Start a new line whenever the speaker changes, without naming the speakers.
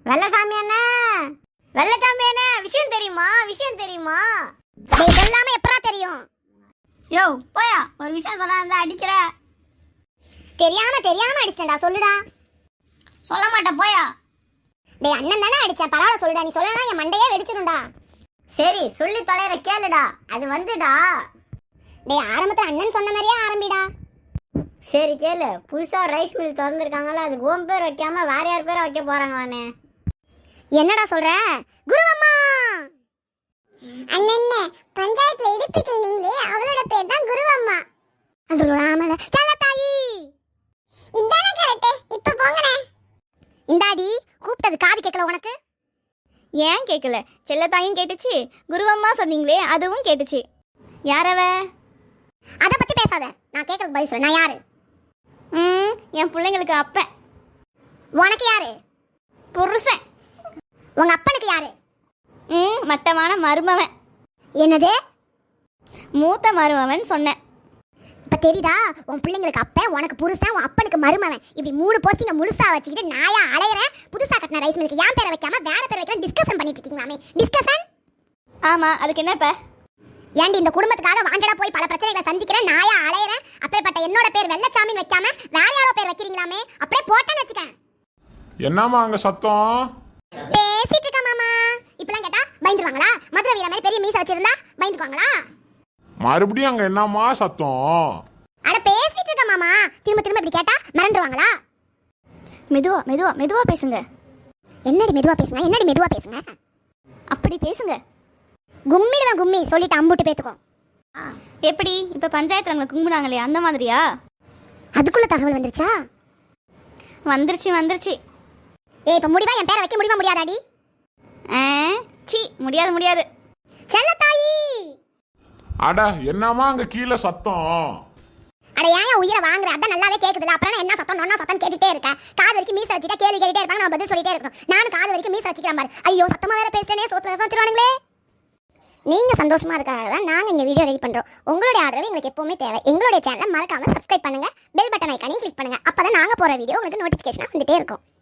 வெள்ளசாமி அண்ணா, வெள்ளசாமி அண்ணா, விஷயம் தெரியுமா? விஷயம் தெரியுமா? இதெல்லாமே எப்பரா தெரியும்? யோ போயா, ஒரு விஷயம் சொல்ல இருந்தா அடிக்கிற. தெரியாம அடிச்சேன்டா, சொல்லுடா. சொல்ல மாட்டேன் போயா. டேய் அண்ணன் தானே அடிச்சேன், பரவாயில்ல சொல்லுடா. நீ சொல்லலாம் என் மண்டையே வெடிச்சிடும்டா. சரி சொல்லி தொலைற கேளுடா. அது வந்துடா. டேய் ஆரம்பத்துல அண்ணன் சொன்ன மாதிரியே ஆரம்பிடா. சரி கேளு. புதுசா ரைஸ் மில் திறந்துருக்காங்கல்ல, அதுக்கு ஓம் பேர் வைக்காம வேற யார் பேரை வைக்க போறாங்களானே. என்னடா சொல்ற? குருவம்மா. அண்ணன் பஞ்சாயத்துல இடிப்பிக்கல் நீங்களே, அவளோட பேர் தான் குருவம்மா. அதோட ஆமல செல்லத்தாயி. இதானே கரெக்ட். இப்ப போங்கனே. இந்தாடி கூப்பிட்டது காது கேட்கல உனக்கு? ஏன் கேட்கல? செல்லத்தாயும் கேட்டுச்சு, குருவம்மா சொன்னீங்களே அதுவும் கேட்டுச்சு. யாரவ? அதை பத்தி பேசாத. நான் கேட்கறது பதில் சொல்ல. நான் யாரு? என் பிள்ளைங்களுக்கு அப்பன். உனக்கு யாரு? புருஷன். உங்க அப்பனுக்கு யாரு? மட்டமான மருமவன். என்னது? மூத்த மருமவன் சொன்னேன். இப்ப தெரியுதா? உன் பிள்ளைங்களுக்கு அப்பன், உனக்கு புருஷன், உன் அப்பனுக்கு மருமவன். இப்படி 3 போஸ்டிங்க முழுசா வச்சுக்கிட்டு நாயா அலையறேன். புதுசா கட்டின ரைஸ் மில்லுக்கு ஏன் பேரை வைக்காம வேற பேர் வைக்கலாம் டிஸ்கஷன் பண்ணிட்டு இருக்கீங்களாமே. டிஸ்கஷன்? ஆமா, அதுக்கு என்ன இப்ப? ஏண்டி இந்த குடும்பத்துக்காக வாண்டடா போய் பல பிரச்சனைகளை சந்திக்கிறேன், நாயா அலையறேன். அப்பேற்பட்ட என்னோட பேர் வெள்ளச்சாமின்னு வைக்காம வேற யாரோ பேர் வைக்கிறீங்களாமே. அப்படியே போட்டேன்னு வச்சுக்கேன்.
என்னம்மா அங்க சத்தம்?
பேசிட்டு இருக்க மாமா. இப்பலாம் கேட்டா பயந்துருவாங்களா? மதுரை வீர மாதிரி பெரிய மீசை வச்சிருந்தா பயந்துக்குவாங்களா?
மறுபடியும் அங்க என்னம்மா சத்தம்?
அட பேசிட்டு இருக்க மாமா. திரும்ப இப்படி கேட்டா மறந்துடுவாங்களா? மெதுவா மெதுவா மெதுவா பேசுங்க. என்னடி மெதுவா பேசுங்க? என்னடி மெதுவா பேசுங்க? அப்படி பேசுங்க. கும்மிடுவேன் கும்மி சொல்லிட்டு அம்புட்டு பேத்துக்கும். எப்படி இப்ப பஞ்சாயத்துல அவங்க கும்பிடுறாங்களே அந்த மாதிரியா? அதுக்குள்ள தகவல் வந்துருச்சா? வந்துருச்சு. ஏய் இப்ப முடிவா என் பேரை வைக்க முடியுமா முடியாதாடி? சி முடியாது. செல்லத்தாயி.
அட என்னம்மா அங்க கீழே சத்தம்?
அட ஏன் உயிரை வாங்குற? அதான் நல்லாவே கேக்குதுல. அப்புறம் என்ன சத்தம் நொன்னா சத்தம் கேட்டுட்டே இருக்க? காது வரைக்கும் மீசை வச்சுட்டா கேள்வி கேட்டுட்டே இருப்பாங்க, நான் பதில் சொல்லிட்டே இருக்கணும். நானும் காது வரைக்கும் மீசை வச்சுக்கிறேன் பாரு. ஐயோ சத்தமா வேற பேசுறேனே, சோத்துல வச்சிருவானுங்களே. நீங்க சந்தோஷமா இருக்காக தான் நாங்க இந்த வீடியோ ரெடி பண்றோம். உங்களுடைய ஆதரவு எங்களுக்கு எப்பவுமே தேவை. எங்களுடைய சேனலை மறக்காம சப்ஸ்கிரைப் பண்ணுங்க, பெல் பட்டன் ஐகானையும் கிளிக் பண்ணுங்க. அப்பதான் நாங்க போற வீடியோ உங்களுக்கு நோட்டிபிகேஷனா வந்துட்டே இருக்கும்.